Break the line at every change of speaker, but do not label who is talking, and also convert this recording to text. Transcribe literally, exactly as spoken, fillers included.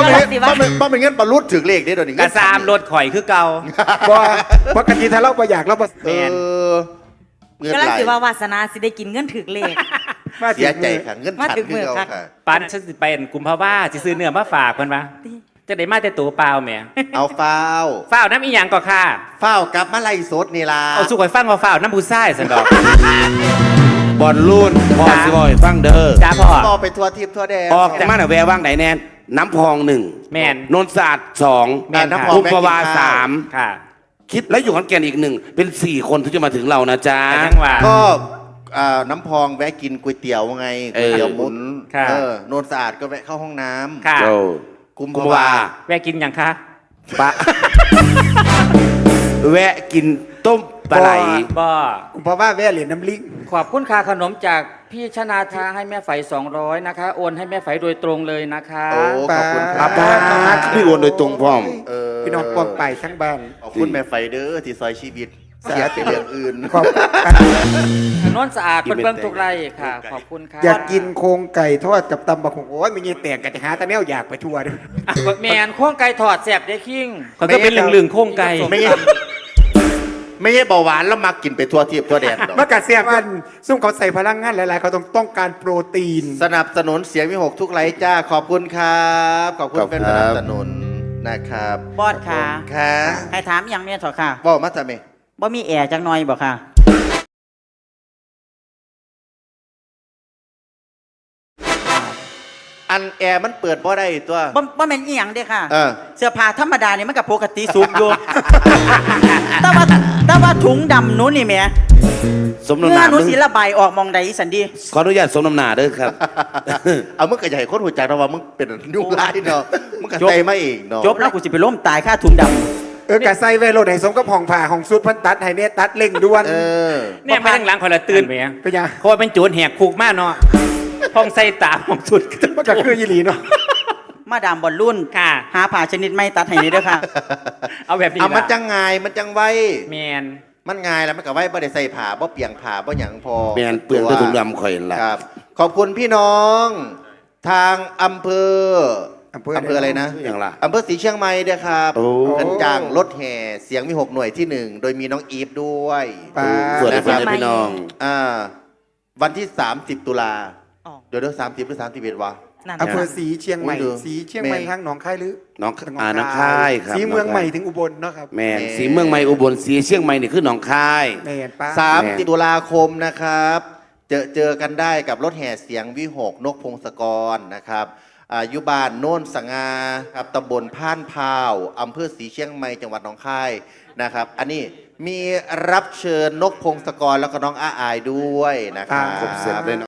บ่เป็นบ่เป็นบ่เป็นเงินปลาลุดถึงเลขได้โดนอีก
กระซามรถข่อยคือเก่า
บ่ปกติถ้าเราบ่อยากเราบ่
เออเงิน
กำ
ไห
ลัง
ล
สิว่าวาสนาสิได้กินเงินถึกเลข
มา
เสียใจค่ะเงิน
มา
ขัน
ถึง
ขึ้น
มือ
เอา
ค่ะ
ค่ะ
ปันฉันสิเป็นกุมภาวะสิซื้อเนื้อมาฝากเพิ่นว่าจะได้มาแต่ตัวเปล่าแหม
เอาฟ้าว
ฝ้าวน้ำอีหยังก็ค่ะ
ฟ้าวกลับมาไล่สดนี่ล่ะ
เอาสู้ข่อยฟังว่าฝ้าวน้ำผู้ชายสันดอก
บอลลูนพอสิบอยฟังเด้อ
จ้าพ่อ
ต่อไปทัวร์ทิพย์ทัวร์แดง
ออกจากมาหน่ะแวว่างไหนแน่นน้ำพองหนึ่ง
แม่น
นนท์ศาสตร์สอง
แม่นค่ะ
กุมภาวาสาม
ค่ะ
คิดแล้วอยู่ขอนแก่นอีกหนึ่งเป็นสี่คนที่จะมาถึงเรานะจ๊ะ
แต่ยังว่า
ก็อ่าน้ำพองแวะกินก๋วยเตี๋ยวไง
เอ
ก๋วย
อ
เตี๋ยวหมุน
ค่ะ
เออโนนสะอาดก็แวะเข้าห้องน้ำ
ค่ะ
โจ้
กุม
กุม
ภา
ภาวา
วา
แวะกินหยังคะ
ปะ แวะกินต้มปลาไหล
บ่
เพราะว่าแว่เหรียญน้ำลิง
ขอบคุณค่าขนมจากพี่ชนาทาให้แม่ไฝสองร้อยนะคะ โอนให้แม่ไฝโดยตรงเลยนะคะ
โอ้ขอบคุณค
ป้า
รับ
ป้าพี่โอนโดยตรงพร้อม
เออ
พี่น้องปองไปทั้งบ้าน
ขอบคุณแม่ไฟเดอร์ที่ซอยชีวิตเสียไปเรื่องอื่น
ขอบ
ถนนสะอาดเป็นเบื้องทุกไร่ค่ะ ขอบคุณค่ะ
อยากกินโครงไก่ทอดกับตำบักหุ่งโอ้ยมีเงี้ยแตกกันจะหาแต่แนวอยากไปทั่วด้วย
แมนข้องไก่ถอดแสบได้คิง
เขาก็เป็นเหลืองๆโค้งไก่
ไม่ใช่ไม่ใช่เบาหวานแล้วมากินไปทั่วทิพย์ทั่วแดนดอก
เมื่อกาเสียบกันซุ่มเขาใส่พลังงานหลายๆเขาต้องต้องการโปรตีน
สนับสนุนเสียงวิหกทุกไลค์จ้าขอบคุณครับขอบคุณ
ขอบคุ
เป็น
ณ
ส
ครับ
นับสนุนนะครับ
บอดค่ะ
ค่ะ
ให้ถามอหย่างเนี้ยเถอะค่ะ
บอกมาจะไหม
บ่มีแอร์จังหน่อยบ่ค่ะ
อันแอร์มันเปิดบ่ได้ตัว
บ่บ่แม่นอีหยังเด้ค่ะ
เออ
เสื้อผ้าธรรมดานี่มันก็ปกติสูงอยู่ แต่ว่าแต่ว่าถุงดำหนู้นนี่แหม่
สมน้ำห
เมื่อ
นา
หนู
มึง
สิระบายออกมองใดสันดี
ขออนุญาตสมน้ำหนาเด้อครับ
เอามึงก็อย่าให้คนหัวใจเราว่ามึงเป็นยุคไล่เนาะมึงก็
จบ
ใจมาเองเนาะ
จบแล้วกูสิไปล้มตายค่าถุงดำ
เออกะใส่ไว้โลดให้สมกับห้องผ่าของสุดพันตัดให้เนี่ยตัดเล่งด่วน
เออ
เนี่ยไปทางหลังข่อยละตื่นไปยัง
เป็นยัง
เพราะว่าเป็นโจรแหกคุกมากเนาะห้องใส่ตาห้องสุด
มันก็คือยีหลีเนาะ
มาดามบอลรุ่น
ค่ะ
หาผ่าชนิดไม่ตัดให้นี่เด้อค่ะ
เอาแบบนี้
เอามัน
ล่ะ
จังไงมันจังไว
แมน
มันง่ายแล้วมันก็ไว้บ่ได้ใส่ผ้าบ่เปียงผ้าบ่หยังพอ
แมนเปลืองด้วยถุงดำข่อยนั่นล่ะ
ครับ ขอบคุณพี่น้อง ทางอำเภอ
อำเภอ
อำเภออะไรนะ
อย่างล่ะ
อำเภอศรีเชียงใหม่เด้อครับ
โอ้
กันจ้างรถแห่เสียงมีหกหน่วยที่หนึ่งโดยมีน้องอีฟด้วย
ปลา
ส่วนใน
นะครั
เพื่อบ นพี่น้อง
อ่าวันที่สามสิบตุลา
อ๋อ
เดี๋ยวเดี๋ยวสามสิบหรือสามสิบเอ็ดวะ
นั่น
อำเภอสีเชียงใหม่
ดู
สีเชียงใหม่
แม่
ทางหนองคายหรือ
น้องอ่าน้องค่ายครับ
สีเมืองใหม่ถึงอุบลเนาะครับ
แมนสีเมืองใหม่อุบลสีเชียงใหม่นี่คือหนองคาย
แม่นป้า
สาม
แม่
สิบตุลาคมนะครับ เจอเจอกันได้กับรถแห่เสียงวิหกนกพงศกรนะครับอายุบานโน่นสงาครับตำบลพานพาวอำเภอศรีเชียงใหม่จังหวัดหนองคายนะครับ อันนี้มีรับเชิญนกพงศกรแล้วก็น้องอาอายด้วยนะครับ
ครบเสร็จเลยเนาะ